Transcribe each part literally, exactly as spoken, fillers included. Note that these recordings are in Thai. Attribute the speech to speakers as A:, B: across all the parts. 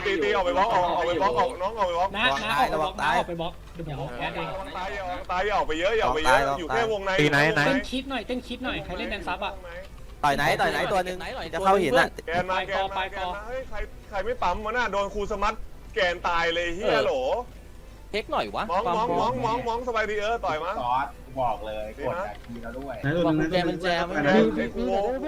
A: ตีตีออกไปบล็อกออกออกไปบล็อกออกน้องออกไปบล็อก
B: นะนะออกไปบล็อกนะออกไปบล็อกเดี๋ยวผมแอดเอง
A: ตายอย่าออกตายอย่าออกไปเยอะอย่าออกไปเยอะอยู่แค่วงใน
C: ตีไหนไหน
B: เต้นคิดหน่อยเต้นคิดหน่อยใครเล่นแดนซับอ่ะ
D: ต่อยไหนต่อยไหนตัวนึงจะเข้าหินอ่ะ
A: แกนมาแกนมาแกนมาเฮ้ยใครใครไม่ปั๊มวะน่ะโดนครูสมัตแกนตายเลยเฮียโหล
E: เทคหน่อยวะ
A: มองมองมองมองมองสบายดีเออต่อยมา
F: ซอสบอกเลยกดทีแล้วด้วย
E: บอกกุญแจมันแจมัน
A: ไอ้กู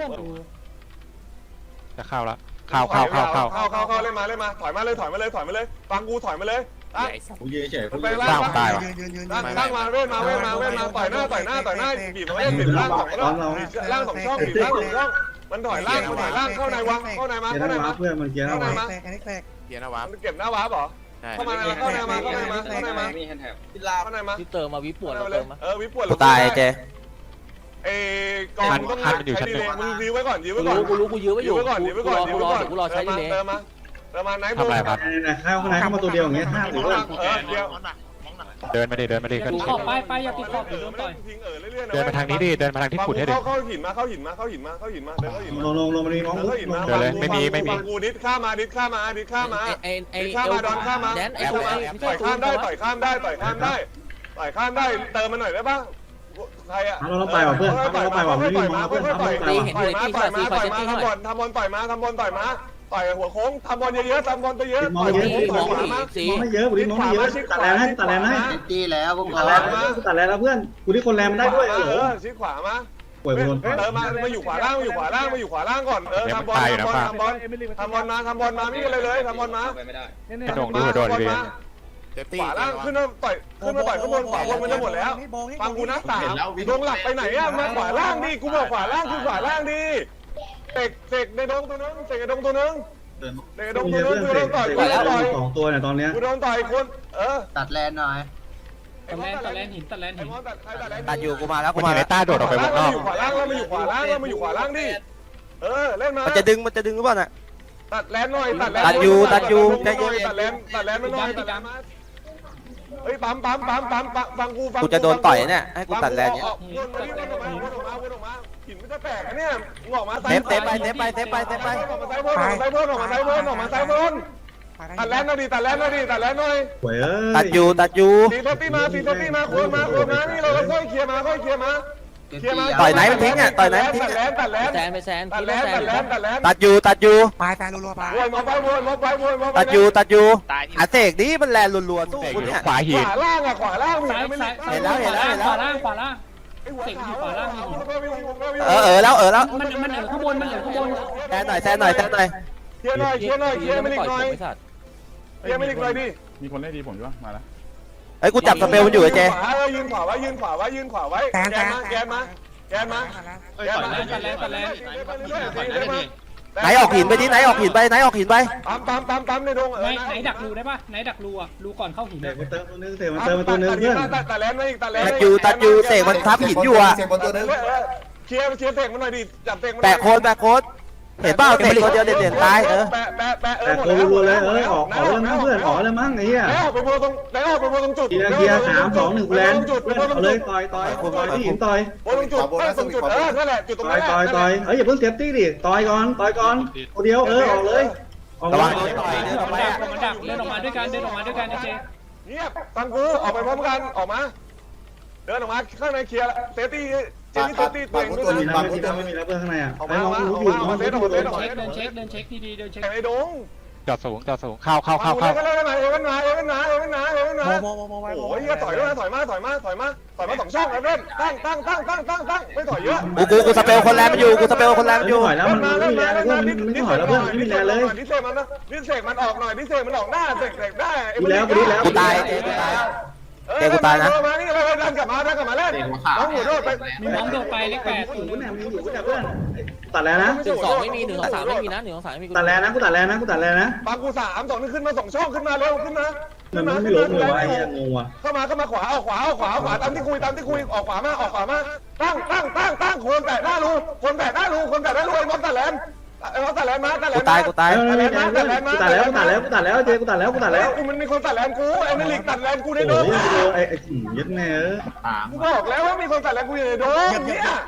C: จะเข้าละเข้าเข้าเข้าเข้า
A: เข้าเข้าเข้าเล่นมาเล่นมาถอยมาเลยถอยมาเลยถอยมาเลยฟังกูถอยมาเลยอ่ะ
F: กูยืนเฉย
A: มันไปล่างล่างล่างมาเว้นมาเว้นมาเว้นมาต่อยหน้าต่อยหน้าต่อยหน้าบีบมาเว้นบีบล่างสองรอบล่างสองช่องบีบล่างสองช่องมันถอยล่างมันถอยล่างเข้าในวังเข้าในมาเข้าในมา
G: เพื่อนมันเกียร์
A: เข้า
G: เอา
A: ใน
G: ไว้
A: มา
C: เกียร์นะวะ
A: มันเก็บหน้าวาร์ปเหรอเข้ามาเข้าในมาเข้าในมาเข้าในมา
F: มีแฮนด์แท็บ
A: เข้าในมา
E: วิเติมมาวิปวดเรา
A: เล
E: เติ
A: ย
E: มมา
A: เออวิปวด
D: กูตายเจ
A: เอ้กองต้องใช้ดีเลยมึงยื้อไว้ก่อนยื้อไว้ก่อน
E: กูรู้กูยื้อไว้อ
A: ยื้
E: ยู่
A: อไว้ก่อนยื้อไว้ก่อนยื้อ
E: กู
A: ไว้
E: รอ
A: ก่อน
E: กูรอใช้ดีเลย
A: เติมมาเติมมาไหน
C: ทำอะไรครับ
G: เข้าข้างในเข้ามาตัวเดียวอย่างเงี้ยห้าหรือว่า
A: เออเดียว
C: เดินมาดิเดินมาดิ
B: อย่า
C: กัน
B: ติดขอบไปไปอย่าติดขอบ
A: เอ
B: เดี๋ยว
A: อ
B: โดน
A: ไม่
B: ต่อย
A: ทิ้งเออเรื่อยๆนะ
C: เดินมาทางนี้ดิเดินมาทางที่ขุดให้ดิ
A: เข้าเข้าหินมาเข้าหินมาเข้าหินมาเข้าหินมาเข้าหินมาเดินเข้าหิน
G: ล
A: มาง
G: ลงลงมันมีมอง
A: เดินเข้าหินมา
C: เดินเลยไม่มีไม่มี
A: กูดิดข้ามาดิดข้ามาดิดข้ามา
E: ไอ้ไอ้
A: ดิดข้ามาดอนข้ามา
E: แดนไอ้
A: ต่
E: ตัวไอ้
A: อยข้ามได้ต่อยข้ามได้ต่อยข้ามได้ต่อยข้ามได้เติมมาหน่อยได้ปะใครอะ
G: เราต้องไปว่ะเพื่อนเราต้องไปว่ะไม่มีมองเพื่อนเราต้องไปว่ะ
A: ต่อยมาต่อยมาต่อยมาทำบอลทำบอลต่อยมาทำบอลต่อยมาต่อยหัวโค้งทำบอลเยอะๆทำบอลเยอะๆต่อยโค้งต่อยขวามา
E: สี
G: มองไม่เยอะกูดิมองไม่เยอะตัดแรงให้ตัดแรงให้
F: ตีแล้วพวก
G: ตัด
F: เรา
G: แรงตัดแรงแล้วเพื่อนกูดิคนแรงมันได้ด้วย
A: เอ
G: เออ
A: อชี้ขวามา
G: ป่วยโดน
A: เติมมามาอยู่ขวาล่างมาอยู่ขวาล่างมาอยู่ขวาล่างก่อนเออทำบอลทำบอลทำบอลทำบอลมาทำบอลมาไม่มีอะไรเลยทำบอลมา
F: ไม่ได้
C: กระโดดดูกระโดดดิ
A: ขวาล่างขึ้นมาต่อยขึ้นมาต่อยข้างบนขวาบนมันจะหมดแล้วฟังกูนะสามดงหลักไปไหนอะมาขวาล่างดิกูบอกขวาล่างคือขวาล่างดิเสกเสกในดงตัวนึงเสกในดงตัวนึงเสกในดง
G: มี
A: ตัวนึ
G: เพื่
A: ง
G: อน
A: กู
G: เส
A: โด
G: ก
A: นต่อยกูโดนต่อย
G: สองตัวเนี่ยตอนเนี้ย
A: กูโดนต่อยคนเออ
F: ตัดแลนหน่อย
B: ตัดแลนตัดแลนหินตัดแลนหิน
D: ตัดอยู่กูมาแล้วกู
C: มัน
D: มา
C: เห็น
D: แล้
C: ไอ้
D: ว
C: ต้าโดดออกไปวงนอก
A: อยู่ขวาล่างแล้วมาอยู่ขวาล่างแล้วมาอยู่ขวาล่างดิเออเล่นมา
D: มันจะดึงมันจะดึงหรือเปล่าน่ะ
A: ตัดแลนหน่อยตัดแลน
D: ตัดอยู่ตัดอยู่ใจเย็น
A: ตัดแลนตัดแลนมาหน่อยตัดแลนมาเฮ้ยปั๊มปั๊มปั๊มปั๊มฟังกูฟัง
D: กูจะโดนต่อยเนี่ยให้กูตัดแรงเนี่ย
A: วนมาวนออกมาวนออกมาวนออกมาหินมันจะแตกเนี่ยออกมา
D: เซฟเซฟไปเซฟไปเซฟไปเซฟไป
A: ออกมาไซบนออกมาไซบนออกมาไซบนออกมาไซบนตัดแลนหน่อยดิตัดแลนหน่อยดิตัดแลนหน่อย
G: ป่วยเอ้ย
D: ตัดอยู่ตัดอยู่
A: ตีทัพปี้มาตีทัพปี้มาโคนมาโคนมานี่เราค่อยเคลียร์มาค่อยเคลียร์มาเคลียร์มา
D: ต่อยไหนมันทิ้งอ่ะต่อยไหนมันทิ้ง
A: ตัดแล
D: อ่ะ
A: นตัดแลน
E: แซนไปแซน
A: ตัด
E: พี่
A: แล
E: ต้อง
A: น
E: แซ
A: ตั
E: น
A: ดแลนตัดแลน
D: ตัดอยู่ตัดอยู่
F: ปลายแฟนรัวๆปลาย
A: วนมาไปวนมาไปวนมา
D: ตัดอยู่ตัดอยู่อาเสกนี่มันแลนรัวๆสู้กูเนี่ย
C: ขวา
A: ข
C: หิน
A: วาล่างอะขวาล่าง
B: ซ้ายซ้ายขวาล่างขวาล่างเสกอยู่ขวาล่างมีหิน
D: เออเออแล้วเออแล้ว
B: มันมันเหลือข้างบนมันเหลือข้างบน
D: แซนหน่อยแซนหน่อยแซนหน่อย
A: เคลียร์หน่อยเคลียร์หน่อยเคลียร์ไม่ลิกหน่อย
E: ไม่สัตว์
A: เคลียร์ไม่ลิกหน่อยดิ
H: มีคนได้ดีผมด้วยมาแล้ว
D: ไอ้กูจับสเปลมันอยู่ไอ้เจ
A: ยืนขวาไว้ยืนขวาไว้ยืนขวาไว้แกนมาแกนมาแกนมาแกนมา
B: ตัดแลนตัดแลน
D: ไหนออกหินไปดิไหนออกหินไปไหนออกหินไป
A: ปั๊มปั๊มปั๊มปั๊มในดง
B: ไหนไหนดักรูได้ปะไหนดักรูอ่ะรูก่อนเข้าหิน
G: เสกมาเติมตัวนึงเสกมาเติมมาตัวนึงเพื่อน
A: ตัดแลนมาอีกตัดแลน
D: ตัดอยู่ตัดอยู่เสกมันทับหินอยู่อ่ะ
A: เคลียร์เคลียร์เสกมันหน่อยดิจับเสกมัน
D: แปะโคนแปะโคนเห็นเปล่าเสกตัวเดียวเด่นๆตายเออ
A: แปะแปะแปะเอ
G: แต่
A: อหมด
G: โค
A: แล้ว
G: รัวเลยเอ้ยออกออกแล้วมั้งเพื่อนออกแล้วมั้งไอ้เหี้ย
A: แล้วไปโบตรงแล้วไปโบตรงจุด
G: เกียร์เกียร์สามสองหนึ่งแลน
A: จุด
G: เพื่อนเอาเลยต่อยต่อยต่อยที่หินต่อย
A: โบตรงจุดตรงจุดเออนั่นแหละจุดตรง
G: ต่อ
A: นั้
G: ย
A: น
G: ต่อยต่อยเอ้ยอย่าเพิ่งเซฟตี้ดิต่อยก่อนต่อยก่อนตัวเดียวเออออกเลยออก
D: ระวั
G: มาง
D: โดนต่อยเดินออก
B: มั
D: ไป
B: นดัก
D: อ่ะ
B: มันดักเดินออกมาด้วยกันเดินออกมาด้วยกันไอเจ
A: เงียบฟังกูออกไปพร้อมกันออกมาเดินออกมาข้างในเคลียร์เซฟตี้เจนี่เซฟตี้ตัวเองด้วย
G: ไม่มี
A: นะ
G: แล้วไม่มีแล้วไม่มีแล้วเพื่อนข้างในอ่ะไอ้มองรู้อยู่มองรู้อยู่
B: เดินเช็คเดินเช็คเดินเช็คดีๆเดินเช็ค
A: ไอ้ดง
C: จอดสูงจอดสูงเข้าเข้าเข้า
A: เข้า
C: เข้า
A: เข้าเอเวนมาเอเวนมาเอเวนมาเอเวนมาเอเวนมาโอ้ยเฮียถอยด้วยถอยมาถอยมาถอยมาถอยมาสองช่องแล้วเล่นตั้งตั้งตั้งตั้งตั้งตั้งไม่ถอยเยอะ
D: กูกูกูสเปลคนแรงมันอยู่กูสเปลคนแรงมันอยู่
G: ถอยแล้วมันไม่มีแรงเลยเพื่อนมันไม่ถอยแล้วเพื่อนไม่มีแรงเลย
A: ดิเซมันนะดิเซมันออกหน่อยดิเซมันออกหน้าเสกเสกได้
D: กูตายเจกูตายเจกูตายนะ
A: มานี่เลยดันกลับมาดันกลับมาเล่นน้องหัวโดดไป
B: มีมองโดดไปเลขแปด
G: อยู่กูเนี่ยมีอยู่กูเนี่ยเพื่อนตัดแล้วนะ
E: หนึ่งสองไม่มีหนึ่งสองสามไม่มีนะหนึ่งสองสามไม่มี
G: ตัดแล้วนะกูตัดแล้วนะกูตัดแล้วนะ
A: ปากูสามสองนึงขึ้นมาสองช่องขึ้นมาเร็วขึ้นมา
G: มันไม่ล้มเลยวะไอ้เหี้ยงงว่ะ
A: เข้ามาเข้ามาขวาออกขวาออกขวาขวาตามที่คุยตามที่คุยออกขวามาออกขวามาตั้งตั้งตั้งตั้งคนแตะหน้ารูคนแตะหน้ารูคนแตะหน้ารูไอ้มอสตัดแลนไอ้มอสตัดแลนมาตัดแล
D: กู
A: น
D: ตายกูตาย
G: กูตัดแล้วกูตัดแล้วกูตัดแล้วกูตัดแล้วเจกูตัดแล้วกูตัดแล้ว
A: กูมันมีคนตัดแลนกูไอ้เมลิกตัดแลนกูใน
G: โอ้
A: โด
G: โห
A: ม
G: ไอ้ไอ้ยัดแม่เออ
A: กูบอกแล้วว่ามีคนตัดแลนกูอยู่ในโดมเนี่ย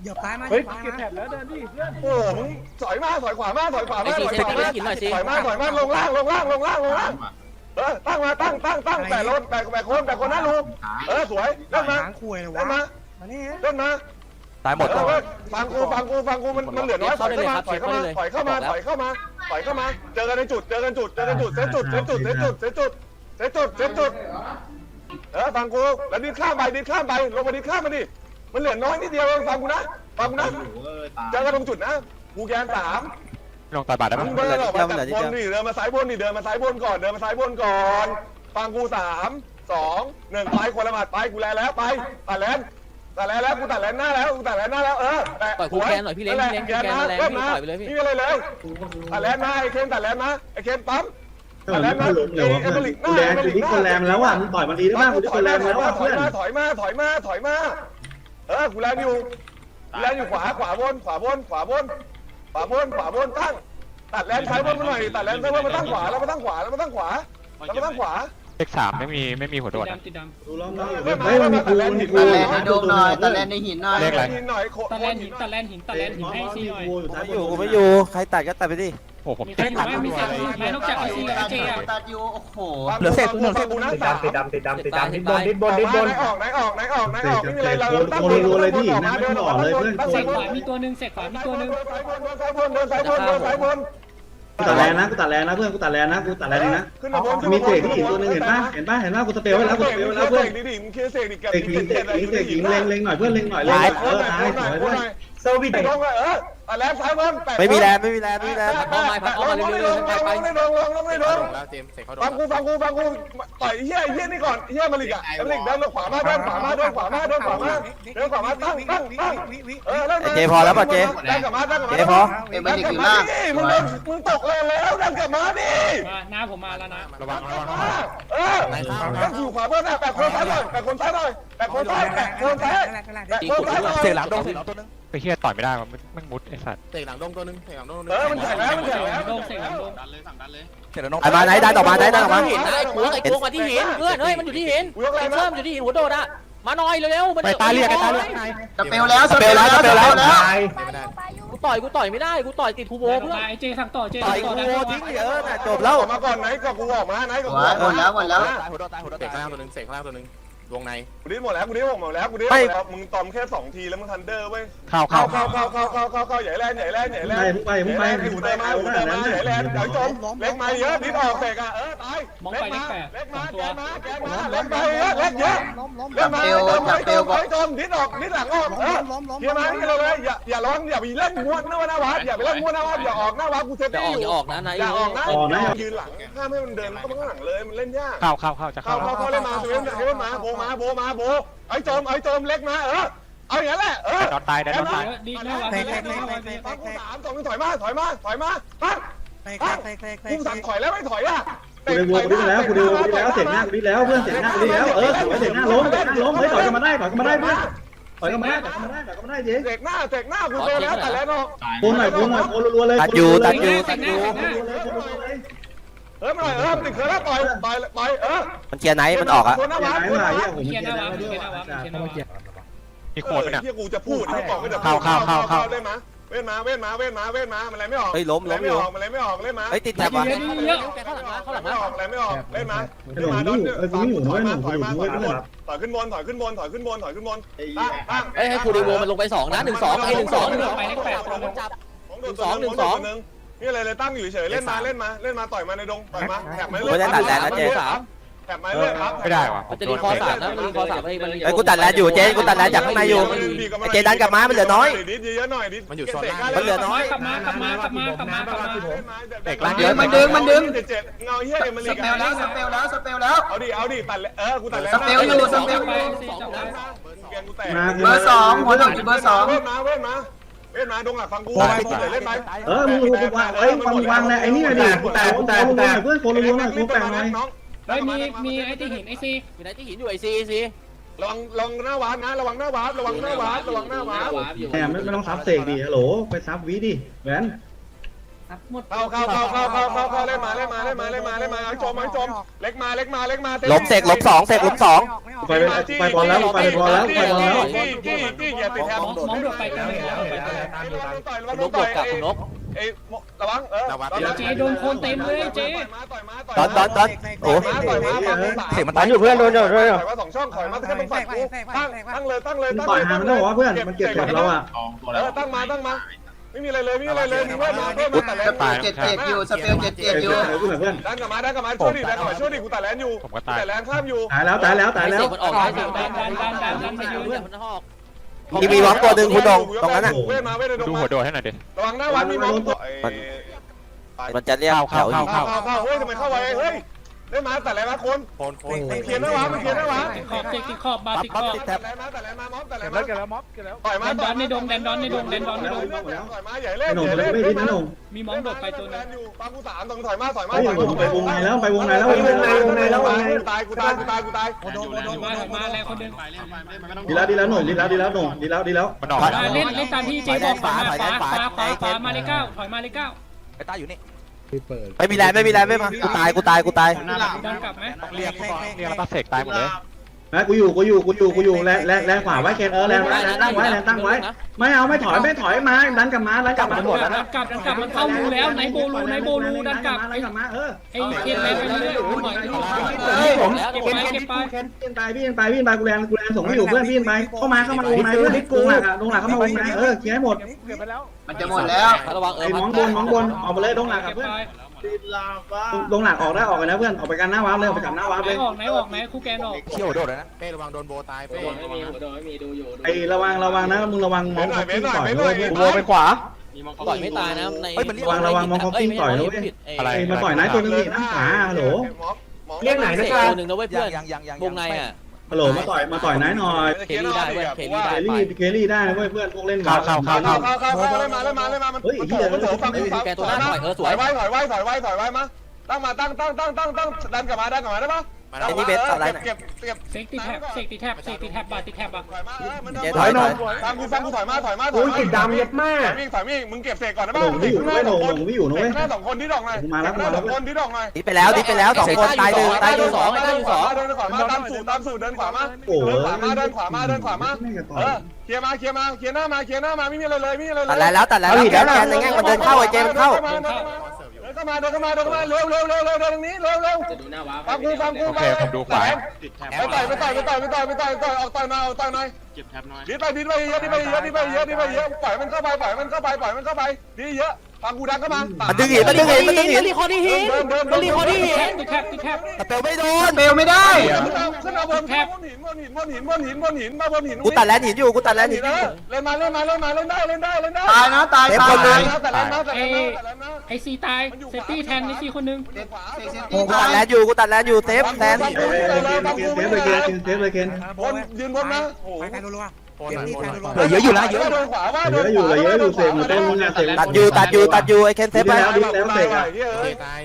F: เหยียบซ้ายมา
G: เฮ้ยเก็บแถบแล้วเดินดิเพื่อน
A: โอ้มึงถอยมาถอยขวามาถอยขวา
E: ไอ้
A: มา
E: ซี
A: ถอย
E: เซ
A: ขวา
E: ฟ
A: มา
E: กินหน่อยสิ
A: ถอยมาถอยมาลงล่างลงล่างลงล่างลงล่างเออตั้งมาตั้งตั้งตั้งแปดรถแปดแปดคนแปดคนนะลุงเออสวยเล่นมา
F: หางคุยเลยวะ
A: เล่นมา
F: มานี่
A: เล่นมา
D: ตายหมด
A: เออฟังกูฟังกูฟังกูมันมันเหลือน้อยถอยเข้ามาถอยเข้ามาถอยเข้ามาถอยเข้ามาถอยเข้ามาเจอกันในจุดเจอกันจุดเจอกันจุดเซตจุดเซตจุดเซตจุดเซตจุดเซตจุดเซตจุดเออฟังกูแล้วดิข้ามไปดิข้ามไปลงมาดิข้ามมาดิมันเหลือน้อยนิดเดียวฟังกูนะฟังกูนะเจอกันตรงจุดนะกูแกนสาม
C: ลงต่อยบาทได้
A: มึ
C: ปะ
A: งเดินออกมาจากบนนี่เดินมาซ้ายบนนี่เดินมาซ้ายบนก่อนเดินมาซ้ายบนก่อนฟังกูสามสองหนึ่งไปคนละหมัดไปกูแลแล้วไปตัดแลนตัดแลนแล้วกูตัดแลนหน้าแล้วกูตัดแลนหน้าแล้วเออแต่
E: ปล่อยคูแคนหน่อยพี่เล้งพี่เล้งคูแคนแรงพี่ปล่อยไปเลยพี่
A: นี่อะไรเลยตัดแลนมาไอ้เคนตัดแลนมาไอ้เคนปั๊ม
G: เออมันล้มเลยวะเพื่อนกูแรงกูนี่คนแรงแล้วอ่ะมึงต่อยมันดีได้บ้างกูนี่คนแรงแล้วอ่ะ
A: ถอ
G: เพื่
A: ย
G: อน
A: มาถอยมาถอยมาถอยมาเออกูแลนอยู่กูแลนอยู่ขวาขวาบนขวาบนขวาบนขวาบนขวาบนตั้งตัดแลนซ้ายบนมาหน่อยตัดแลนซ้ายบนมาตั้งขวาแล้วมาตั้งขวาแล้วมาตั้งขวาแล้วมาตั้งขวา
C: เลขสามไม่มีไม่มีหัวโดดนะ
B: ติดด
G: ดูล้อมล้อมอยู่เฮ้ยมันมีกูมันมีกู
F: ตะแลนในโดมหน่อยตะแลนในหินหน่อย
C: เลขอะไร
A: หน่อยโค
B: ำตะแลนหินตะแลนหินตะแลนหินให้ซีหน่อย
G: กูอยู่ท้าย
D: ไม่อยู่กูไม่อยู่ใครตัดก็ตัดไปดิ
C: โอ้ผม
B: มีใครอยู่ไหมมีเศษไหมนอกจากไอซีกับไอเจอ่ะ
F: ตัดอยู่โอ้โห
A: เหลือเศษเหลือเศษกูนะสาม
G: ติดดำติดดำติดดำ
E: ติ
G: ดิ
E: ด
G: นบ
E: ตาย
G: นดินบนดินบน
A: ไหนออกไหนออกไหนออกไหนออกไม่มีอะไรเราตั้ง
B: เศษขวามีตัวหนึ่งเศษขวามีตัวหนึ่ง
A: ซ้ายบนเดินซ้ายบนเดินซ้ายบน
G: กูตัดแรงนะกูตัดแรงนะเพื่อนกูตัดแรงนะกูตัดแรงนะ
A: ขึ้นมาบน
G: มีเศษที่หินตัวนึงเห็นป่ะเห็นป่ะเห็นป่ะกูสเปรย์ไว้แล้วกูสเปรย์ไว้แล้วเพื่อน
A: ดิดิมึงเคลียร์เศษดิกับ
G: เศษหินเศษหินเศษหินเล็งเล็งหน่อยเพื่อนเล็งหน่อยเล็งเออตายสวยด้วยเซอร์วิส
A: ไปลงเลยเออแต่แล้วซ้ายบน
D: ไม่มีแรงไม่มีแรงไม่มีแรง
A: ลงลงลงไม่ลงลงไม่ลงฟังกูฟังกูฟังกูต่อยเฮียเฮียนี่ก่อนเฮียมาลิกอะมาลิกเดินขวามาเดินขวามาเดินขวามาเดินขวามาเดินขวามาตั้งตั้งตั้งเออแล้ว
D: เจพอแล้วป่ะเจ
A: ดันกลับมาดันกลับมา
D: เจพอ
F: เอ็มไปดิอยู่ล่าง
A: มึงเดินมึงตกเลยแล้วดันกลับมาดิ
B: มาหน้าผมมาแล้วนะ
C: ระวังระวัง
A: เออตั้งอยู่ขวาบนนะแปะคนซ้ายหน่อยแปะคนซ้ายหน่อยแปะคนซ้ายแปะคนซ้ายแปะคนซ้ายหน่อย
D: เสียงหลังโดนเสียงหลังตัวนึง
C: ไปเฮียต่อยไม่ได้มันมันมุดไอ้สัตว์
H: เตะหลังดงตัวนึงเตะหลังดงตัวนึง
A: เออมันแข็งแล้วมันแข็งแล้ว
B: โดนเศษหลังโดน
H: ดันเลยสั่งดันเลย
D: เสียงหลังไอ้มาไหนดันออกมาไหนดันออกมา
E: หินนะไอ้โค้งไอ้โค้งมาที่หินเพื่อนเฮ้ยมันอยู่ที่หินไอ้เพิ่มอยู่ที่หินหัวโดดอ่ะมาหน่อยเร็วๆมัน
C: ไปตาเรียกไอ้ตาเรียกไง
F: สเปลแล้วสเปลแล้วสเปลแล้ว
G: ตาย
E: กูต่อยกูต่อยไม่ได้กูต่อยติดคูโบเพื่อน
B: ไอเจสั่งต่อเจ
D: ต่อย
B: ต่
D: กู
B: อได้
D: ทิ้งเออน่ะจบแล้ว
A: ออกมาก่อนไหนก็กูออกมาไหนก็กู
F: หมดแล้วหมดแล้ว
D: ตายหัวโดนตายหัวโดน
H: เตะ
D: ตาย
H: ข้างล่างตัวนึงเตะข้างล่างตัวนึงวงใน
A: กูดิ้นหมดแล้วกูดิ้นหมดแล้วกูดิ้นหมดแล้วมึงตอมแค่สองทีแล้วมึงทันเดอร์เว้ย
C: เข้า
A: เข้า
C: เข้า
A: เข้าเข้าเข้าเข้าเข้าเข้าใหญ่แรงใหญ่แรงใหญ่แรง
G: ไปไปมึงไป
A: ไอ้หูเตะมาหูเตะมาใหญ่แรงเดี๋ยวจมเล็กมาเยอะดิ้นออกเตะอ่ะเออตายเล็กมาเล็กมาแกมาแกมาเล็กไปเยอะเล็กเยอะเล็กมาจมไปจมไปจมดิ้นออกดิ้นหลังออกเออเฮียมาที่เราเลยอย่าอย่าร้องอย่าไปเล่นม้วนหน้าวัดอย่าไปเล่นม้วนหน้าวัดอย่าออกหน้าวัดกูเซฟ
E: จะอ
A: ตี้
E: อก
A: อยู่
E: อย่าออกนะนาย
A: อย่าออกนะยืนหลังห้ามให้มันเดินต้องข้างหลังเลยมันเล่นยาก
C: เข้าเข้าเข้าจะ
A: เข้า
C: เข้า
A: เข้าเข้าเล่นมาเล่นเล่นมาโบมาโบมาโบไอ้โจมไอ้โจมเล็กมาเออเอาอย่างนั้นแหละเออ
C: ดอนตายได้ดอนตาย
B: ดีนะวะ
A: ฟังกูสามสองถอยมาถอยมาถอยมาปั๊บกูสั่งถอยแล้วไม่ถอยอ่ะ
G: กูได้วัวกูได้แล้วกูได้วัวกูได้แล้วเสียงหน้ากูได้แล้วเพื่อนเสียงหน้ากูได้แล้วเออสวยเสียงหน้าล้มเสียงหน้าล้มเฮ้ยต่อยกันมาได้ต่อยกันมาได้เพื่อนต่อยกันมาได้ต่อยกันมาได้ต่อยกันมาได้เจ๊
A: เสกหน้าเสกหน้ากูโดนแล้วแต่แล้วเนาะ
G: โคนหน่อยโคนหน่อยโคนรัวๆเลย
D: ตัดอยู่ตัดอยู่
B: ตัดอยู่
A: เออมาเออติดเขือแล้วต่อยต่อยต่อยเออ
D: มันเคลียร์ไหนมันออกอ่ะ
A: คนหน้า
G: อย่า
A: วัด
G: ให้
A: คนห
G: มา
A: น้า
G: เฮี
A: วั
G: ย
A: ด
G: ผมเกียร์แล้วด้วย
C: มีโคตรไหมเนี่ย
A: ที่กูจะพูดที่บอกก็จะเล่นมาเว้นมาเว้นมาเว้นมาเว้นมามันอะไรไม่ออก
D: เฮ้ยล้ม
A: อะไร
D: ล้มอ
A: ไม่
D: ยู่
A: ออกมันอะไรไม่ออกเล่นมา
D: เฮ้ยติดแถบว่ะ
B: เยอะ
E: ข้างหลังมาข้างหลัง
A: ไม่
E: มา
A: ออกอะไรไม่ออกเล่นมา
G: ไอ้หนุ่มนี่ไอ้กูนี่อยู่น้อยหนุ่มกูอยู่น้อยด้วย
A: ถอยขึ้นบนถอยขึ้นบนถอยขึ้นบนถอยขึ้นบนตั้งตั้ง
E: เฮ้ยให้คูดีโวมันลงไปสองนะหนึ่งสองไอ้หนึ่งสองหนึ่งสอง
B: ไปเลขแปด
E: จับ
A: สองหนึ่งสองนี่อะไรเลยตั้งอยู่เฉยเล่นมาเล่นมาเล่นมาต่อยมาในดงต่อยมาแถบมาเรื่อยแถบมาเรื่อยครับ
C: ไม่ได้ว่ะ
E: มันจะดีคอสามนะมันดีคอสามไอ้มัน
D: ไอ้กูตัดแลนอยู่เจกูตัดแลนจากข้างในอยู่ไอ้เจดันกลับมามันเหลือน้อย
A: ดิเยอะหน่อยดิ
D: มันเหลือน้อย
B: กลับมากลับมากลับมากลับมากลับมา
A: เด็ก
F: เดี๋ยวมันดึงมันดึง
A: เจ็ดเงาเฮียเอ็ม
F: ส
A: ลี
F: เปลแล้วสเปลแล้วสเปลแล้ว
A: เอาดิเอาดิตัดเออกูตัดแล้ว
F: สเปลอยู่สเปล
B: ไป
F: อยู่
B: สี่จับได้
F: เบอร์สองหัวหลงอยู่เบอร์สอง
A: เว้นมาเว้นมาเว้นมาดงหลักฟังกูเล่นไหม
G: เออมึงมึงวางเอ้ยมึงวางเลยไอ้นี่หน่อยดิกูแต่กูแต่กูแต่เพื่อนโคนรัวๆหน่อยกูแต่หน่อย
B: เฮ้ยมีมีไอที่หินไอซี
E: อยู่ไหนที่หินอยู่ไอซีซี
A: ระวังระวังหน้าวาร์ปนะระวังหน้าวาร์ประวังหน้าวาร์ประวังหน้าวาร์ป
G: แหมไม่ไม่ต้องซับเสกดิฮัลโหลไปซับวีดิแหวน
F: อ
B: หมด
A: เข้าเข้าเข้าเข้าเข้าเข้าเข้าเล่นมาเล่นมาเล่นมาเล่นมาเล่นมาไอ้จมไอ้จมเล็กมาเล็กมาเล็กมา
D: ล้มเสกล้มสองเสกล้มสอง
G: ไปไปบอลแล้วไปบอลแล้วไปบอลแล้ว
A: จี้จี้จี้อย่าติดแถบ
B: มองมองโดดไปกันเลยแล้วไปกัน
A: ต่อย
E: คุณนกโดดกลับคุณนก
A: เอ้ระวังเออ
B: เจโดนโคนเต็มเลยเจ
A: ต่อยมา
D: ตอนตอนตอนโอ้
A: ต่อยมาต่อยมา
D: เสียงมันตันอยู่เพื่อนโดนโดน
A: ต่อยมาสองช่องถอยมาแค่ต้องฝัดกูตั้งตั้งเลยตั้งเลยตั้ง
G: ต่อย
A: เลย
G: หามันต้องบอกว่าเพื่อนมันเก็บกับเราอ่ะ
A: เออตั้งมาตั้งมาไม่มีอะไรเลยไม่มีอะไรเลยมีเพื่อนมาเพื่อนมาแต่แล้ว
F: เจ็ดเจ็ดอยู่สเปลเจ็ดเจ็ดอยู่
G: เพื่อน
A: ดันกลับมาดันกลับมาช่วยดิดันกลับมาช่วยดิกูแต่แลนอยู่แต่แลนข้ามอยู่
G: ตายแล้วตายแล้วตายแล้ว
E: เสกมันออกได้เสกดันดันดันดันดันเพื่อนมันหอก
D: มีมีวอล์กตัวหนึ่งคุณดงตรงนั้นอ่ะ
A: เว้ยมาเว้ยเดิน
C: ดู
A: มา
C: หัวโดดให้หน่อยดิ
A: ระวังหน้าวัดมีมองตัว
D: มันจะเรียกแถวอยู่
A: เข้าเข้าเข้าเฮ้ยทำไมเข้าไวเฮ้ยได้มาแต่แลนมาคน
H: โคนโคน
A: มันเขียนหน้าวัดมันเขียนหน้าวัด
B: ขอบเจติดขอบบาติดขอบ
A: แต่แลนมาแต่แลนมามอบแต่แลนมาแล้วม็อบแล้วต่อยมา
B: แดนดอนในดงแดนดอนในดงแดนดอนในดง
A: ต่อยมาใหญ่เล่น
G: หนุ่ม
A: ใหญ่
G: เลย
A: เล่น
G: ไม่ดิ้นนะหนุ่ม
B: มีมองโดดไปตัวนึง
A: อยู่ฟังกูสามตรงถอยมาถอยมา
G: เฮ้ยผมไปวงในแล้วไปวงในแล้ววงในวงในแล้ววงใน
A: ตายกูตายกูตายกูตาย
B: โดนโดนมาถอยมาแรงคนนึง
G: ดีแล้วดีแล้วหนุ่มดีแล้วดีแล้วหนุ่มดีแล้วดีแล้ว
C: มันออก
B: มาเล่นเล่นตามที่เจบอกขวาขวาขวาขวาขวามาเลยเก้าถอยมาเลยเก้า
D: ไอ้ตาอยู่นี่ไม่มีแรงไม่มีแรงไม่มากูตายกูตายกูตาย
B: ดันกลับไหม
C: เรียกเรียกแล้วก็เสกตายหมดเลย
G: นะกูอยู่กูอยู่กูอยู่กูอยู่แรงแรงแรงขวาไว้เคนเออแรงแรงตั้งไว้แรงตั้งไว้ไม่เอาไม่ถอยไม่ถอยมาดันกลับมาดันกลับมาหมดแล้ว
B: ดั
G: นะ
B: นกลับดันกลับมันเข้ารูแล้วไหนโบลูไหนโบลูดันกลับ
G: ดันกลับมาเออ
B: ไอ้เคนแรงไปเรื่อยหน่อย
G: ผม
B: เก็บไปเก็บไป
G: พี่ไปพี่ไปพี่ไปกูแรงกูแรงส่งไม่อยู่เพื่อนพี่ไปเข้ามาเข้ามาวงในเพื่อนลงหลักอะลงหลักเข้ามาวงในเออเคลียร์ให้หมด
F: มันจะหมดแล้ว
E: ระวังเออ
G: ไอ้มองบนมองบนออกมาเลยลงหลักกับเพื่อนลงหลักออกได้ออกไปนะเพื่อนออกไปกันหน้าวาร์ปเลยออกไปจับหน้าวาร์ป
B: ไหน
G: เลย
B: ออกไหนออกไหนคู่แกนออก
D: เขี้ยวโดดเลยนะ
H: เป้ระวังโดนโบตายเป้
G: ไอ้ระวังระวังนะมึงระวังมองคอฟฟี่ต่อยด้วย
D: โบไปขวา
E: ต่อยไม่ตายนะใน
G: ระวังระวังมองคอฟฟี่ต่อยด้วยไอ้มาต่อยไหนตัวนึงนี่น้ำขวาฮัลโหล
E: เรียกไหนนะตัวหนึ่งนะเว้ยเพื่อนวงในอ่ะ
G: ฮัลโหลมาต่อยมาต่อยไหนหน่อย
E: เคลี่ได้เว้ยเคลี่ได้
G: เคลี่เคลี่ได้นะเว้ยเพื่อนพวกเล่น
A: เข้าเข้าเข้าเข้าเข้าเข้าเล่นมาเล่นมาเล่นมามันมันโถมันโถฟังกูฟัง
E: แกตัวหน้าถอยเออสวย
A: ถอยไว้ถอยไว้ถอยไว้ถอยไว้มาตั้งมาตั้งตั้งตั้งตั้งตั้งดันกลับมาดันกลับมาได้ปะเก็บเก็บ
B: เซกติแท็บเซกติแท็บเซกติแท็บบาติแท็บอ่ะ
A: ถอยมาเออมัน
D: ถอยหน่อย
A: ฟังกูฟังกูถอยมาถอยมาถอยมาติดดำเย็ดมากถอยวิ่งถอยวิ่งมึงเก็บเสกก่อนได้ปะ
G: หลงไม่อยู่ไม่หลงหลงไม่อยู่นะเว้ย
A: หน้าสองคนที่ดอกหน่อยหน้าสองคนที่ดอกหน่อย
D: ดิไปแล้วดิไปแล้วสองคนตายหนึ่งตายหนึ่ง
A: สองเดินขวาเดินขวามาตามสูตรตามสูตรเดินขวามาเดินขวามาเดินขวามาเดินขวามาเออเคลียร์มาเคลียร์มาเคลียร์หน้ามาเคลียร์หน้ามาไม่มีอะไรเลยไม่มีอะไรเลย
D: ตัดแล้วตัดแล้วแล้วแกนในแง่มันเดินเข้าไอ้เจมันเข้า
A: เดินเข้ามาเดินเข้ามาเดินเข้ามาเร็วเร็วเร็วเร็วเดินตรงนี้เร็วเร็วฟังกูฟังกู
C: โอเคผมดูขวา
A: ไปต่อยไปต่อยไปต่อยไปต่อยไปต่อยไปต่อยออกต่อยมาออกต่อยหน่อยเก็บแท็บหน่อยดิไปดิไปเยอะดิไปเยอะดิไปเยอะดิไปเยอะปล่อยมันเข้าไปปล่อยมันเข้าไปปล่อยมันเข้าไปดิเยอะฟังกูดังเข้ามา
D: มันดึงหินมันดึงหินมันดึงหิน
E: รีคอร์ดที่หินมันรีคอร์ดที่หิน
B: ติแท็บติแท็บ
D: แต่เปลไม่โดน
F: สเปลไม่ได้
A: ขึ้นมาบนแท็บบนหินบนหินบนหินบนหินบนหินมาบนหิน
D: กูตัดแลนหินอยู่กูตัดแลนหินอยู่
A: เล่นมาเล่นมาเล่นมาเล่นได้เล่นได้เล่นได้
F: ตายนะตายตาย
A: แต่เล่นมาแต่เล่นมาแต่เล่นมา
B: ไอซีตายเซฟตี้แทนไอซีคนนึง
D: กูตัดแลนอยู่กูตัดแลนอยู่เซฟแทน
G: เซฟเลยเคนเซฟเลยเคน
A: บนยืนบนนะโอ้โห
D: เหลือเยอะอยู่นะเยอะ
A: เดินขวาว่า
G: เยอะอยู่เลยเยอะอยู่เสกมันเต้นมึงอะเสก
D: ตัดอยู่ตัดอยู่ตัดอยู่ไอ้เคนเซฟไป
G: แล้วดิแล้วเสกอะ
H: ตาย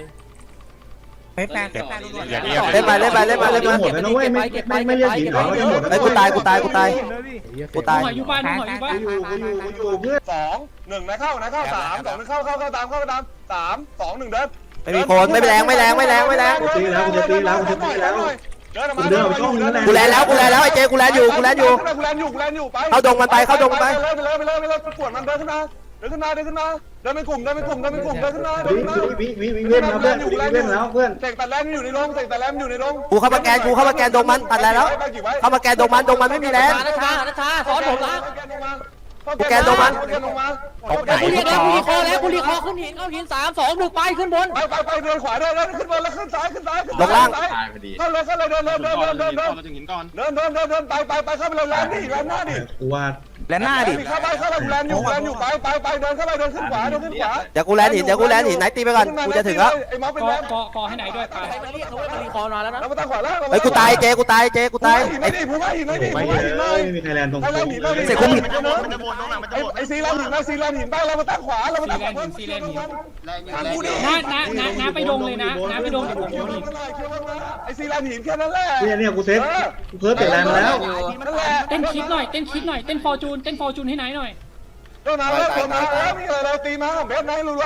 C: อย่าเรียก
D: เล่นไปเล่นไปเล่นไปเล่น
G: จะ
D: ไป
G: หมดแล้วนะเว้ยไม่ไม่ไม่เรียกหินหรอจะหมด
D: ไอ้กูตายกูตายกูตายกูตาย
B: หอยอยู่บ้านหอยอยู่บ้าน
G: อยู่อยู่อยู่เพื่อน
A: สองหนึ่งนะเข้านะเข้าสามสองหนึ่งเข้าเข้าเข้าตามเข้าตามสามสองหนึ่งเดิน
D: ไม่มีคนไม่แรงไม่แรงไม่แรงไม่แรง
G: กูตีแล้วกูจะตีแล้วกูจะตีแล้ว
A: กูเดินออกมา
D: กูแลนแล้วกูแลนแล้วไอ้เจกูแลนอยู่กูแลนอยู่
A: กูแลนอยู่กูแลนอยู่ไป
D: เข้าดงมันไปเข้าดงมันไป
A: ไปเลยไปเลยไปเลยไปเลยปวดมันเดินขึ้นมาเดินขึ้นมาเดินขึ้นมาเดินเป็นกลุ่มเดินเป็นกลุ่มเดินเป็นกลุ่มเดินขึ้นมาเดิน
G: วิ
A: ขึ้นมา
G: วิวิวิเว้นแล้วเพื่อนวิเว้นแล้วเพื่อน
A: เสกแต่แลมอยู่ในโรงเสกแต่แลมอยู่ในโรง
D: กูเข้ามาแกนกูเข้ามาแกนดงมันตัดแล้วเข้ามาแกนดงมันดงมันไม่มีแรง
E: นัชชานัชชาสอนผมละ
A: แกนลงมาแกนลงมา
E: กูเรียกแล้วกูรีคอร์แล้วกูรีคอร์ขึ้นหินเข้าหินสามสองหนึ่งไปขึ้นบน
A: ไปไปไปเดินขวาเดินเดินขึ้นบนแล้วขึ้นซ้ายขึ้นซ้าย
D: ลงล่าง
A: ตายพอดีเข้าเลยเข้าเลยเดินเดินเดินเดินเดินเดินเดินเดินเดินเดินเดินไปไปไปเข้าไปเลยแลนดิแลนหน้าดิ
G: กูว่า
D: แลนหน้าดิ
A: เข้าไปเข้าไปแลนอยู่แลนอยู่ไปไปไปเดินเข้าไปเดินขึ้นขวาเดินขึ้นขวา
D: เดี๋ยวกูแลนหินเดี๋ยวกูแลนหินไหนตีไปก่อนกูจะถึงแล้ว
A: ไอ้ม็อบเป็น
B: ก
A: แล
B: อน กอกอให้ไหนด้วยตาย
E: ใครมาเรียกเขาว่ารีคอร์มาแล้วนะ
A: แล้วมาตั้งขวาล่าง
D: เฮ้ยกูตายเจกูตายเจกูตาย
A: ไอ้ดิผมว่าหินเลยดิผม
G: ไม่
A: ว่าหินเลย
G: มีใครแลนตรง
A: ไอ้แลนหินเลย
D: เสกคุ้มหิน
A: มันจะบนตรงไหนมันจะบนไอ้ซีแลนหินนะซีแลนหินได้เรามาตั้งขวาเรามาตั้งขวา
B: น้าน้าน้าน้าไปดงเลยนะน้าไปดงเดี๋ยวผมโยนหิน
A: ไอ้ซีแลนหินแค่นั้นแหละ
G: เนี่ยเนี่ยกูเซฟกูเพิ่มเตะแรงมาแล้ว
A: นั่นแหละ
B: เต้นคิดหน่อยเต้นคิดหน่อยเต้นฟอร์จูนเต้นฟอร์จูนให้ไหนหน่อย
A: เดินมาแล้วเดินมาแล้วมีอะไรเราตีมาเบสไหนรู้วะ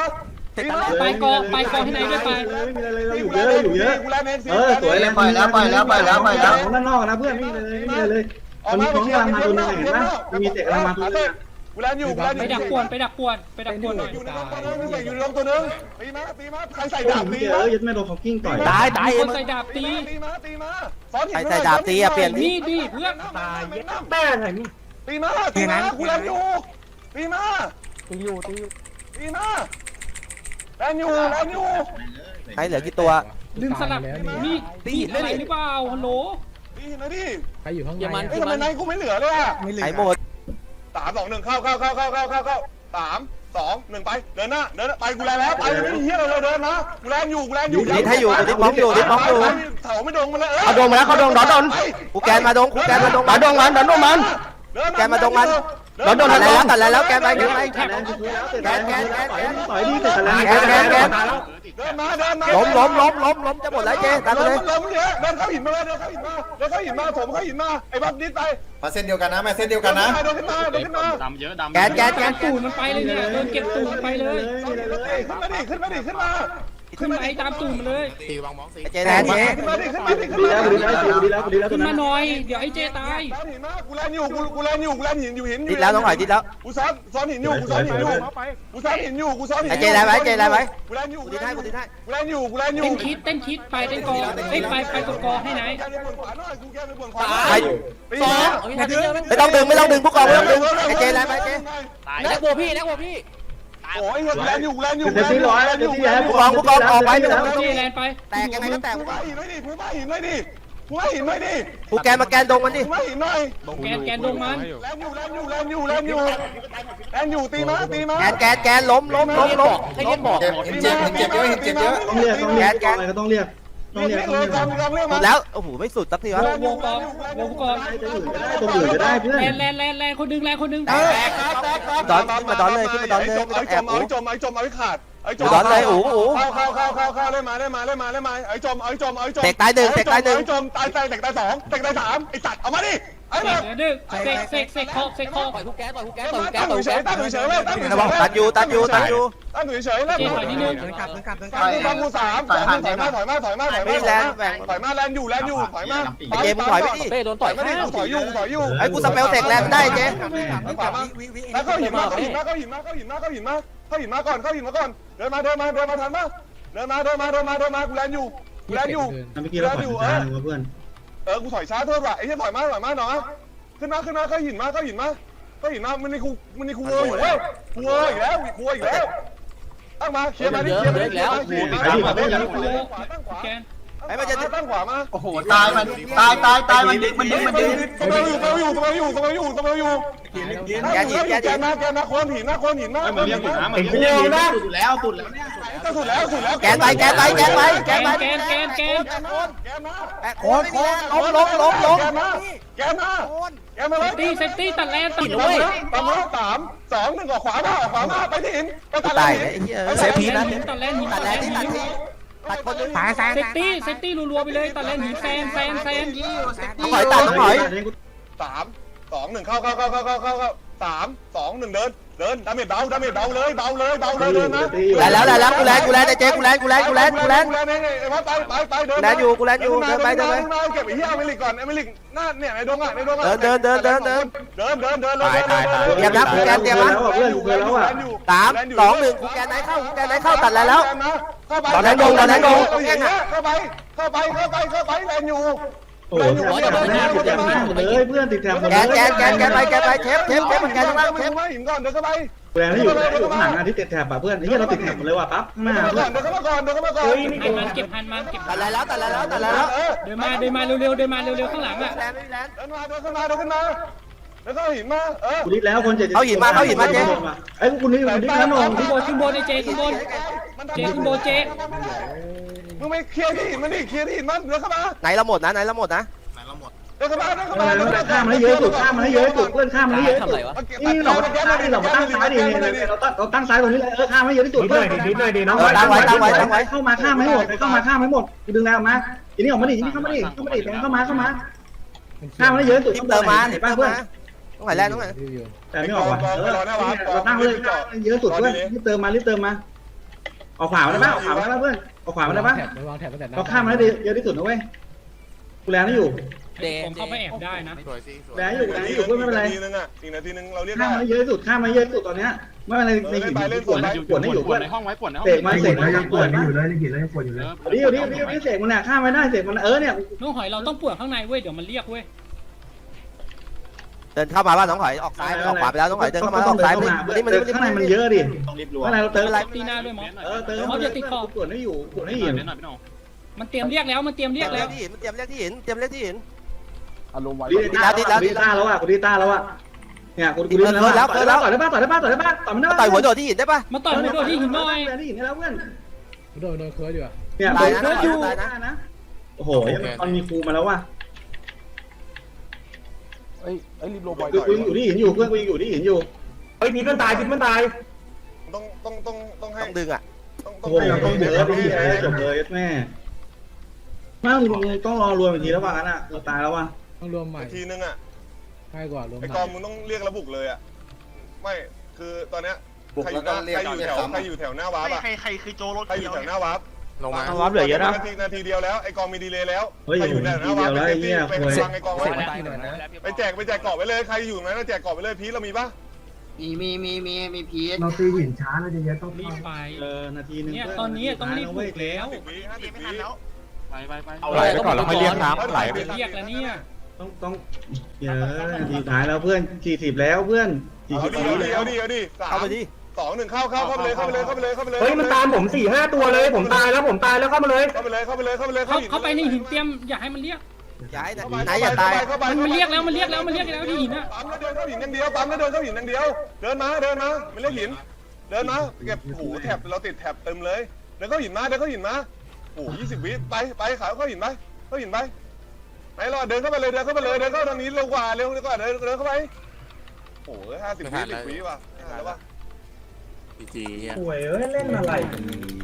B: ไปกองไปกองที่ไหนด้วยไป
G: ไม่มีอะไรเลยเราอยู่เยอะเราอยู่เยอะ
A: กูแลนเองสิ
G: เออสวยแล้ว
F: ปล่อยแล้วปล่อยแล้วปล่อยแล้วปล่อยแล้ว
G: ด้านนอกนะเพื่อนไม่มีเลยไม่มีเลยมันมีของกำลังมาตัวนึงเห็นปะมันมีเตะกำลังมาตัวนึง
A: กูแลนอยู่กูแลนอ
B: ไป
A: ยู่
B: ดักป่วนไปดักป่วนไปดักป่วนหน่อย
A: อยู่ในลงตัวนึงอยู่ในลงตัวนึงตีมาตีมาใครใส่ดาบตี
G: เออยัดแม่โดนเขากิ้งต่อย
D: ตายตาย
B: ค
D: เอ็
B: น
D: ม
B: ใส่ดาบตี
A: ตีมาตีมาซ้อนหิน
D: ใครใส่ดาบตีอะเปลี่ยน
B: นี่ดิเพื่อน
A: ตาย
G: แม่ไหนนี่
A: ตีมาตีมากูแลนอยู่ตีมา
G: ตีอยู่ตีอยู่
A: ตีมาแลนอยู่แลนอยู่
D: ใครเหลือกี่ตัว
B: ดึงสลับมีดตีอะไรหรือเปล่าฮัลโหล
A: ตีนะดิ
G: ใครอยู่ข้างใน
E: เยมัน
A: เอ้ยทำไมนายกูไม่เหลือเลยอ่ะ
D: ใครหมด
A: สามสองหนึ่งเข้าเข้าเข้าเข้าเข้าเข้าเข้าสามสองหนึ่งไปเดินหน้าเดินไปกูแลแล้วไปไม่มีเฮียอะไรเลยเดินนะกูแลอยู่กูแลอยู่
D: ดิดให้อยู่ดิดบล็อกอยู่ดิดบล็อกอยู่
A: เถาไม่โดนมาเลย
D: เขาดงมาแล้วเขาดงดอนดอนกูแกนมาดงกูแกนมาดงมาดงมันดอนดงมันแกนมาดงมันดอนดงตัดแล้วตัดแล้วแกนไปแกนไป
G: แกนแกนแกนแกนต่อยดีแต่ละ
D: แกนแกนแกน
A: เดินมาเดินมา
D: ล้มล้มล้มล้มล้มจะหมดแล้วเจ๊ตามไปเลย
A: ล้มเลยเดินเข้าหินมาเลยเดินเข้าหินมาเดินเข้าหินมาผมเข้าหินมาไอ้บัฟดิสไป
H: มาเส้นเดียวกันนะมาเส้นเดียวกันนะ
A: เดินขึ้นมาเดินขึ้นมา
I: ดำเยอะดำ
D: แกนแกนแก
B: การ
D: น
B: ตูดมันไปเลยเนี่ยโดนเก็บตูดมันไปเลย
A: ขึ้นมาดิขึ้นมาดิขึ้นมา
B: ขึ้นไปตามตูดมันเลย
H: ตีวางมองสี
D: เจ๊แทนเจ๊
A: ขึ้นมาดิขึ้นมาดิขึ้น
G: ดี
A: มา
G: แล้วดีแล้วดีแล้วดีแล้ว
B: ขึ้นมาหน่อยเดี๋ยวไอ้เจตาย
A: ซ้อนหินมากูแลนอยู่กูกูแลนอยู่กูแลนหินอยู่หิน
D: ดิดแล้วน้องหอยดิดแล้ว
A: กูซ้อนซ้อนหินอยู่กูซ้อนหินอยู่กูซ้อนหินอยู่กูซ้อนหิน
D: ไอ้เจ๊ได้ไหมเจ๊ได้ไหม
A: กูแลนอยู่
D: กูดิดให้กูดิดให้
A: กูแลนอยู่กูแลนอยู่
B: เต้นคิดเต้นคิดไปเต้นกอเอ้ยไปไปกดกอให้ไหน
A: แกไปบนขวาหน่อยกูแกไปบนขวา
D: ใคร
E: สองเอาพี่ทันเยอะไหม
D: ไม่ต้องดึงไม่ต้องดึงพวกกองไม่ต้องดึงไอ้เจ๊ได้ไหมเจ๊
E: นักบัวพี่นักบัวพี่
A: โอ้ยแลนอยู่แลนอยู่
G: เต็มที่ร้อยเต็มที่แล้ว
D: พวกกองพวกกองออกไปไม่ต้อง
B: เจแลนไป
D: แตกยังไงก็แตก
A: กูมาหินหน่อยดิกูมาหินหน่อยดิกูมาหินหน่อยดิ
D: กูแกนมาแกนดงมันดิ
A: กูมาหินหน่อย
B: แกนแกนดงมัน
A: แลนอยู่แลนอยู่แลนอยู่แลนอยู่แลนอยู่ตีมาตีมา
D: แกนแกนแกนล้มล้มล้มล้ม
E: ให้เล่นบอก
H: เจ็บเจ็บเจ็บเยอะเห็นเจ็บเยอะ
G: ต้องเรียกต้องเรียกอะไรก็ต้องเรียกต้อง
A: เรี
G: เรี
A: ย
G: ย
A: ก
G: ก
A: เล
G: ต้อง
A: ย
G: เรียก
A: กำกำเรียก
D: หม
A: มา
D: ดแล้วโอ้โหไม่สุดสักทีวะ
B: วงกองวงกอง
G: ตรงอื่นก็ได้เพื่อน
B: แลนแลนแลนแลนคนดึงแลนคนดึง
A: ดอนขึ้นมาดอนเลยขึ้นมาดอนเลยไอ้จมไอ้จมไอ้จมไอ้ขาดไอ้จม
D: ดอนเลยโอ้โห
A: เข้าเข้าเข้าเข้าเข้าเล่นมาเล่นมาเล่นมาเล่นมาไอ้จมไอ้จมไอ้จม
D: เตะตายหนึ่งเตะตายหนึ่ง
A: ไอ้จมตายตายเตะตายสองเตะตายสามไอ้สัตว์เอามาดิไอ้
B: เส
A: มาก
B: ดึงเสกเสกเสกคอเสกคอ
E: ปล่อยผู้แก๊สปล่อยผู้แก๊สปล่อยผู้แก๊
A: ตั้
E: ส
A: ง
E: ปล่อย
A: อยู่
E: ผู้
A: เฉ
E: แก๊
A: ย
E: ส
A: ตั้งอยู่เฉยเลยตั้งอยู่เฉย
D: ตัดอยู่ตัดอยู่ตัดอยู่
A: ตั้งอยู่เฉยแล้ว
B: เจถอยนิดนึง
A: ฟังกูฟังกูสามสองถอยมาถอยมาถอยมาถอย
D: ไม่
A: มา
D: แลนแบ่ง
A: ถอยมาแลนอยู่แลนอยู่ถอยมา
D: เจมึงถอยไปดิ
E: เป้โดน
A: ต่
E: ต่
A: อ
E: อย ย
A: ไม่ได้
E: ข้าง
A: ถอยอยู่ถอยอยู่
D: ไอ้กูสเปลเตกแลนได้เจ
A: ถอยมาแล้วเข้าหินมาเข้าหินมาเข้าหินมาเข้าหินมาเข้าหินมาเข้าหินมาก่อนเข้าหินมาก่อนเดินมาเดินมาเดินมาทันมาเดินมาเดินมาเดินมาเดินมากูแลนอยู่กูแลนอยู่
G: เมื่อกี้เราผ่านทางเพื่อน
A: เออกูถอยช้าเท่าไหร่ไอ้ที่ถอยมาถอยมาหน่อยขึ้นมาขึ้นมาเข้าหินมาเข้าหินมาเข้าหินมามันในกูมันในกูเวอร์อยู่เว้ยกูเวอร์อีกแล้วกูเวอร์อีกแล้วตั้งมาเคลียร์มาดิเคลียร์มาดิเคลียร์มาเคลียร์มาตั้งขวาตั้งขวา
B: แกน
A: ไอ้มันจะตั้งขวามา
F: โอ้โหตายมันตายตายตายมันดึงมันดึงมันดึง
A: สมัยอยู่สมัยอยู่สมัยอยู่สมัยอยู่สมัยอยู่
D: แกหินแก
A: แก
D: หิน
A: มาแกมาโคนหินนะโคนหินนะ
I: มันเรียกหินนะมัน
A: กู
I: เรียกหิน
A: นะ
F: สุดแล้วสุดแล้วเนี่ย
A: สุดแล้วสุดแล้ว
D: แกนไปแกนไปแกนไปแก
B: แก
D: น
B: น
D: ไป
B: แกนแกนแกน
A: แกมาแกมา
D: โค้งโค้งล้มล้มล้มล้ม
A: แกมาแกมาแกมาเลย
B: ตีเซตตี้ตัดแลนตัด
A: ตามมาตามมาสามสองหนึ่งออกขวามาออกขวามาไปที่หินไปตัด
D: ตาย
A: หิ
D: ไอ้
A: น
D: เหี้ยเซฟพีนะ
B: ตัดแลนหิน
D: ตั
B: ตั
D: ด
B: ด
D: แล
B: แล
D: น
B: น
D: ที่
B: หิ
D: ตัด
B: น
D: ที่ตัดคนนึง
B: เซตตี้เซตตี้รัวๆไปเลยตัดแลนหินแซนแซนแซน
D: ต้องหอยตัดต้องหอย
A: สามสองหนึ่งเข้าเข้าเข้าเข้าเข้าเข้าเข้าสามสองหนึ่งเดินเดินดาเมจเบาดาเมจเบาเลยเบาเลยเบาเลยเดินนะ
D: ได้แล้วได้แล้วกูแลนกูแลนไอ้เจกูแลนกูแลนกูแลนกูแลน
A: กูแลนไอ้ว่าไปไปไปเดิน
D: แลนอยู่กูแลนอยู่เดินไปเดินไป
A: เก็บไอ้เหี้ยอเมริกก่อนอเมริกหน้าเนี่ยในดงอ่ะในดงอ่ะ
D: เดินเดินเดินเดินเดิน
A: เดินเดินเดินเลย
D: เตรียมนะกูแกนเตรียมนะ
G: เพื่อนเพื่อนแล้วอ่ะ
D: สามสองหนึ่งกูแกนไหนเข้ากูแกนไหนเข้าตัดแล้วแล้ว
A: เข้าไป
D: ตอนนั้นงงตอนนั้นงง
A: เข้าไปเข้าไปเข้าไปเข้าไปแลนอยู่
G: โอ้โหติดแถบหน้าติดแถบหน้าเลยเพื่อนติดแถบหมด
D: แก
G: เลย
D: นแกนแกนแกนไปแกนไปเทปเทปเทปมันแกนข้างล่างเทป
A: มาหินก่อนเดินเข้าไป
G: แรงที่อยู่อยู่ข้างหลังอ่ะที่ติดแถบอ่ะเพื่อนนี่เราติดแถบหมดเลยว่ะปั๊บหน้า
A: เดิน
G: เพื่อน
A: เข้ามาก่อนเดินเข้ามาก่อน
B: หันมันเก็บหันมันเก็บ
D: ตัดแล้วตัดแล้วตัดแล้ว
B: เดินมาเดินมาเร็วๆเดินมาเร็วๆข้างหลังอ่ะ
D: แลนไม่แลน
A: เดินมาเดินขึ้นมาเดินขึ้นมาเดินเข้าหินมาเออ
G: กูดิดแล้วคนเจ็ดไอ้กูนี่กูดิดแล้วน้อง
B: ขึ้นบนขึ้นบนไอ้เจขึ้นบนเจขึ้นบนเจ
A: มึงไม่เคลียร์ที่หินมันดิเคลียร์ที่หินมันเดินเข้ามา
D: ไหนเราหมดนะไหนเราหมดนะ
A: เดินเข้ามาเดินเข้า
G: เอ
A: มา
G: อ
A: เดินเข้ามา
G: ข้ามมาให้เยอะสุดข้ามมาให้เยอะสุดเพื่อนข้ามมาให้เยอะสุด นี่เราตั้งซ้ายเราตั้งซ้ายดิเราตั้งเราตั้งซ้ายตรงนี้เลยเออข้ามให้เยอะที่สุดเพื่อนเข้ามาข้ามให้หมดเข้ามาข้ามให้หมดกูดึงแรงออกมาทีนี้ออกมาดิทีนี้เข้ามาดิเข้ามาดิเข้ามาเข้ามาข้ามให้เยอะสุด
D: ทิป
G: ข้างบ
D: เติม
G: น
D: มา
G: เห็
D: ทิ
G: น
D: ป
G: ป่ะ
D: เติม
G: เพื่อน
D: มาต้องไหนแลนต้องไหน
G: แต่ไม่ออกว่ะเออเราตั้งเลยเยอะสุดเพื่อนรีบเติมมารีบเติมมาเอาขวามาได้ป่ะเอาขวามาได้ป่ะเพื่อนเอาขวามาได้ป่ะเอาข้ามมาได้เยอะที่สุดนะเว้ยกูแลไม่อยู่
B: ผมเข้าไปแอบได้นะ
G: แลอยู่แลอยู่เพื่อนไม่เป็นไร
A: นาทีนึงอ่ะอีกนาทีนึงเราเรียก
G: ข้า
A: ได้
G: มมาเยอะที่สุดข้ามมาเยอะที่สุดตอนเนี้ยไม่เป็นไรในหินปวดนะปวดให้อยู่เพื่อน
C: ห้องไว้ปวดในห้อง
G: เสกมาเสกมายังปวดนะ
H: อยู่เลยยังกินเลยยังปวดอยู่เลย
G: ดิวดิวดิวดิวเสกมันน่ะข้ามไม่ได้เสกมันเออเนี่ย
B: น้องหอยเราต้องปวดข้างในเว้ยเดี๋ยวมันเรียกเว้ย
D: เดินเข้ามาบ้านน้องหอยออกซ้ายออกขวาไปแล้วน้องหอยเดินเข้ามาออกซ้ายนี่มันนี่มัน
G: ข้างในมันเยอะดิข้างในเราเติมอะไร
B: ตีหน้าด้วยมอส
G: เออเติมปวดให้อยู่ปวดให้อยู่
B: มันเตรียมเรียกแล้วมันเตรียมเรียกแล้ว
D: ที่หินมันเตรียมเรียกที่หินเตรียมเรียกที่หิน
G: ดีต้าดีต้าแล้วอ่ะกูดีต้าแล้วอ่ะเนี่ยกูกูดีแล้วต่อยได้ป่ะต่อยได้ป่ะต่อยได้ป่ะต่อยได้ป่ะต่อยมันได้ป่ะ
D: ต่อยหัวโดดที่หินได้ปะ
B: มาต่อยมันโดนที่หินหน่อย
G: ที่หินได้แล้วเพื่อน
I: โดนโดนเคิร์ดอยู่อะ
G: เนี่ยโดนเคิร์ดอยู่นะโอ้โหมันมีครูมาแล้วว่ะ
A: ไอ้ไอ้รีบโรบอย
G: กูยังอยู่ที่หินอยู่เพื่อนกูยังอยู่ที่หินอยู่
A: เฮ้ยพีมันตายพีมันตายต้องต้องต้องต้องให้
D: ต้องดึงอ่ะ
A: ต้อง
G: โอ้โหต้องเดือดดิจบเลยแม่มามึงต้องรอรวมอีกทีแล้วว่างั้นอ่ะเราตายแล้วว่ะ
I: ต้องรวมใหม่
A: ทีนึงอ่ะ
I: ง่ายกว่ารวม
A: ไอ้
I: ให
A: ก
I: ม่
A: องมึงต้องเรียกระบุกเลยอ่ะไม่คือตอนเนี้ยใครอยู่หน้าใครอยู่แถวใครอยู่แถวหน้าวาร์ปอ่ะ
F: ใครใครคือโจรถ
A: ใครอยู่แถวหน้าวาร์ป
C: ลงมา
D: วับเหลือเยอะนะ
A: นาทีนาทีเดียวแล้วไอ้กองมีดีเลยแล้ว
G: เฮ้ย
A: ใครอยู่แถวหน้าวาร์ป
G: ทีเดียวแล้วไอ้เหี้ย
A: ไปฟังไอ้กองไว้ไปแจกไปแจกเกาะไว้เลยใครอยู่นั้นแจกเกาะไว้เลยพีเรามีปะ
F: มีมีมีมีมีพีช
H: เราตีหินช้าเราจะเยอะต้อง
B: รีบไป
G: เออนาทีนึง
B: เนี่ยตอนนี้ต้องรีบปลุกแล้ว
A: สิบวิห้าสิบวิ
C: ไปไปไปไหลไปก่อนแล้วค่อยเรียกน้ำไหลไป
B: เรียกแล้วเนี่ย
G: ต้องต้องเยอะนาทีท้ายแล้วเพื่อนสี่สิบแล้วเพื่อนสี่
A: เอา
G: สิบ
A: ดิ
G: แล้ว
A: เอาดิเอาดิเอาดิสาม
D: เข้าไปดิ
A: สองหนึ่งเข้าเข้าเข้าไปเลยเข้าไปเลยเข้าไปเลยเข้าไปเลย
G: เฮ้ยมันตามผมสี่ห้าตัวเลยผมตายแล้วผมตายแล้วเข้ามาเลย
A: เข้าไปเลยเข้าไปเลยเข้าไปเลย
B: เขาเขาไปในหินเตรียมอย่าให้มันเรียก
D: ย้ายไหนอย่าตาย
B: มันมันเรียกแล้วมันเรียกแล้วมันเรียกแล้วที่หินอะ
A: ปั๊มแล้วเดินเข้าหินอย่างเดียวปั๊มแล้วเดินเข้าหินอย่างเดียวเดินมาเดินมาไม่เรียกหินเดินมาเก็บหูแถบเราติดแถบเต็มเลยเดินเข้าหินมาเดินเข้าหินมาโอ้ยี่สิบวิไปไปขาวเข้าหินไปเข้าหินไปไหนรอเดินเข้าไปเลยเดินเข้าไปเลยเดินเข้าทางนี้เร็วกว่าเร็วกว่าเดินเดินเข้าไปโอ้ห้าสิบวิสิบวิว่ะแล้วว่ะ
C: พีจีเฮีย
G: ป่วยเอ้ยเล่นอะไร
C: เ